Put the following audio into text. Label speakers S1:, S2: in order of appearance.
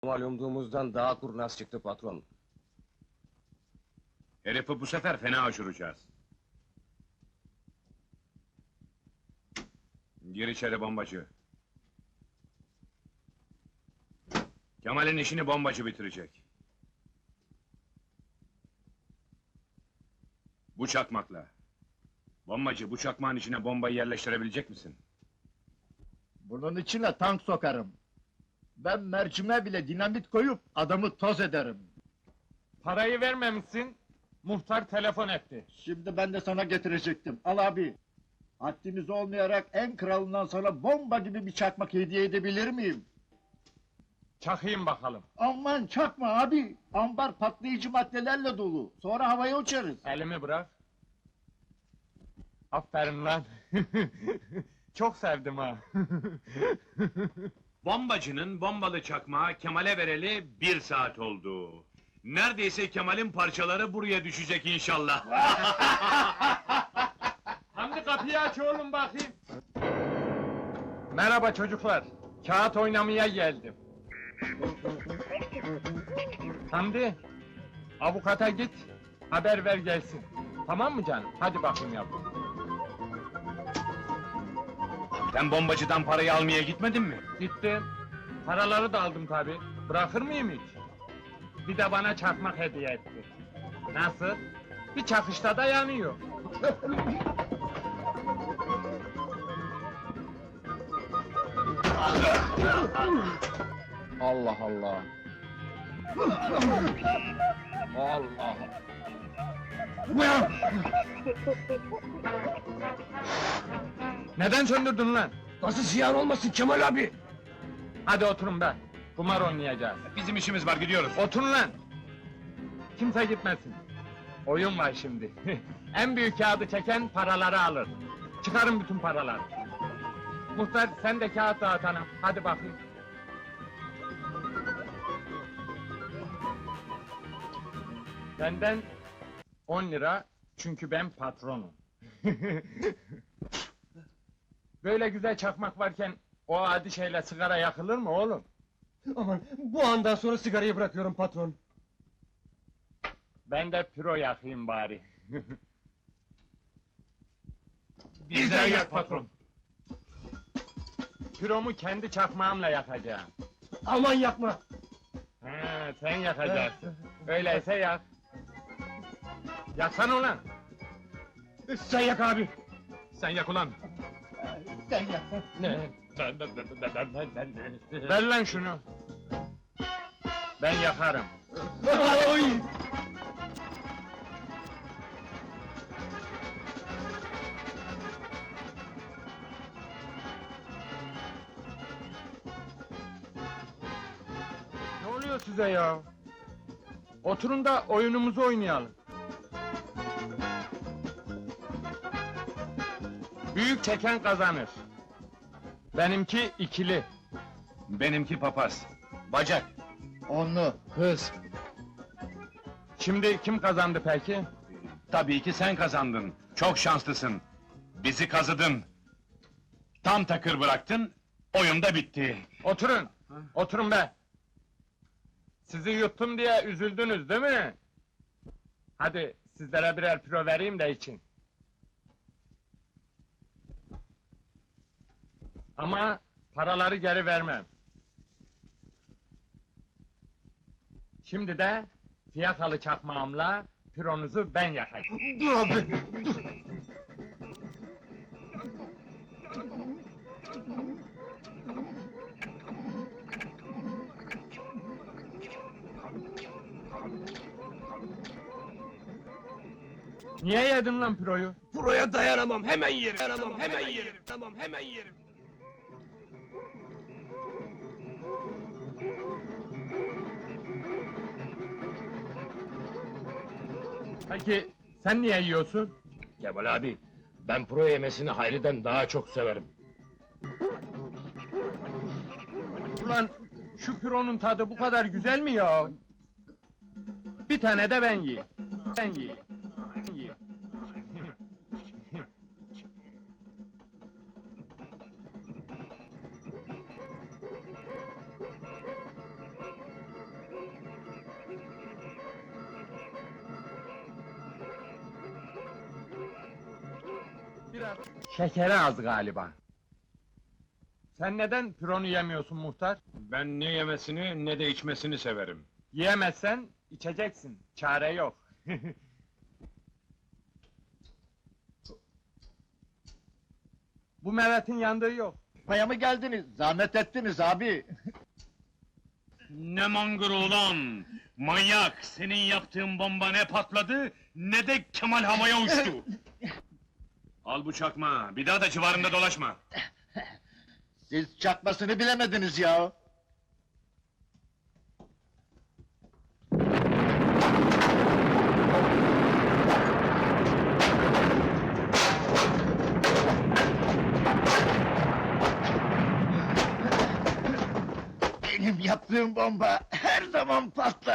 S1: Mal umduğumuzdan daha kurnaz çıktı patron.
S2: Herifi bu sefer fena aşıracağız. Gir içeri bombacı. Kemal'in işini bombacı bitirecek. Bu çakmakla. Bombacı, bu çakmağın içine bombayı yerleştirebilecek misin?
S3: Bunun içine tank sokarım. Ben mercime bile dinamit koyup adamı toz ederim.
S4: Parayı vermemişsin, muhtar telefon etti.
S3: Şimdi ben de sana getirecektim. Al abi. Haddimiz olmayarak en kralından sana bomba gibi bir çakmak hediye edebilir miyim?
S4: Çakayım bakalım.
S3: Aman çakma abi. Ambar patlayıcı maddelerle dolu. Sonra havaya uçarız.
S4: Elimi bırak. Aferin lan. Çok sevdim ha.
S2: Bombacının bombalı çakmağı Kemal'e vereli 1 saat oldu. Neredeyse Kemal'in parçaları buraya düşecek inşallah.
S4: Hamdi kapıyı aç oğlum bakayım. Merhaba çocuklar. Kağıt oynamaya geldim. Hamdi, avukata git, haber ver gelsin. Tamam mı canım? Hadi bakayım yavrum.
S2: Sen bombacıdan parayı almaya gitmedin mi?
S4: Gittim. Paraları da aldım tabi. Bırakır mıyım hiç? Bir de bana çakmak hediye etti. Nasıl? Bir çakışta da yanıyor.
S1: Allah Allah. Allah.
S4: Neden söndürdün lan?
S1: Nasıl ziyan olmasın Kemal abi?
S4: Hadi oturun be. Kumar oynayacağız.
S2: Bizim işimiz var, gidiyoruz.
S4: Oturun lan! Kimse gitmesin. Oyun var şimdi. En büyük kağıdı çeken paraları alır. Çıkarın bütün paraları. Muhtar sen de kağıt dağıt hanım. Hadi bakayım. Benden 10 lira çünkü ben patronum. Böyle güzel çakmak varken o adi şeyle sigara yakılır mı oğlum?
S1: Aman bu andan sonra sigarayı bırakıyorum patron.
S4: Ben de püro yakayım bari.
S2: Bizden yak patron.
S4: Püromu kendi çakmağımla yakacağım.
S1: Aman yapma.
S4: He, sen yakacaksın. Öyleyse yak. Yaksana ulan!
S1: Sen yak abi.
S2: Sen yak ulan.
S3: Sen yap.
S1: Ne?
S4: Ver lan şunu! Ben yakarım.
S1: Oy!
S4: Ne oluyor size ya? Oturun da oyunumuzu oynayalım. Büyük çeken kazanır. Benimki ikili.
S2: Benimki papaz. Bacak.
S3: Onlu.
S1: Kız.
S4: Şimdi kim kazandı peki?
S2: Tabii ki sen kazandın. Çok şanslısın. Bizi kazıdın. Tam takır bıraktın, oyun da bitti.
S4: Oturun! Oturun be! Sizi yuttum diye üzüldünüz değil mi? Hadi sizlere birer püro vereyim de için. Ama paraları geri vermem. Şimdi de fiyakalı çakmağımla püronuzu ben yakayım.
S1: Dur abi.
S4: Niye yedin lan püroyu?
S1: Buraya dayanamam. Hemen yerim. Dayanamam. Hemen yerim. Tamam hemen yerim.
S4: Peki sen niye yiyorsun?
S1: Kemal abi, ben pro yemesini Hayri'den daha çok severim.
S4: Ulan şu püronun tadı bu kadar güzel mi ya? Bir tane de ben yiyeyim. Ben yiyeyim. Ben yiyeyim. biraz. Şekeri az galiba. Sen neden pironu yemiyorsun muhtar?
S1: Ben ne yemesini ne de içmesini severim.
S4: Yiyemezsen içeceksin. Çare yok. Bu Mehmet'in yandığı yok.
S3: Paya mı geldiniz? Zahmet ettiniz abi.
S2: Ne mangır ulan! Manyak! Senin yaptığın bomba ne patladı, ne de Kemal havaya uçtu! Al bu çakma, bir daha da civarında dolaşma!
S3: Siz çakmasını bilemediniz ya. Benim yaptığım bomba her zaman patlar.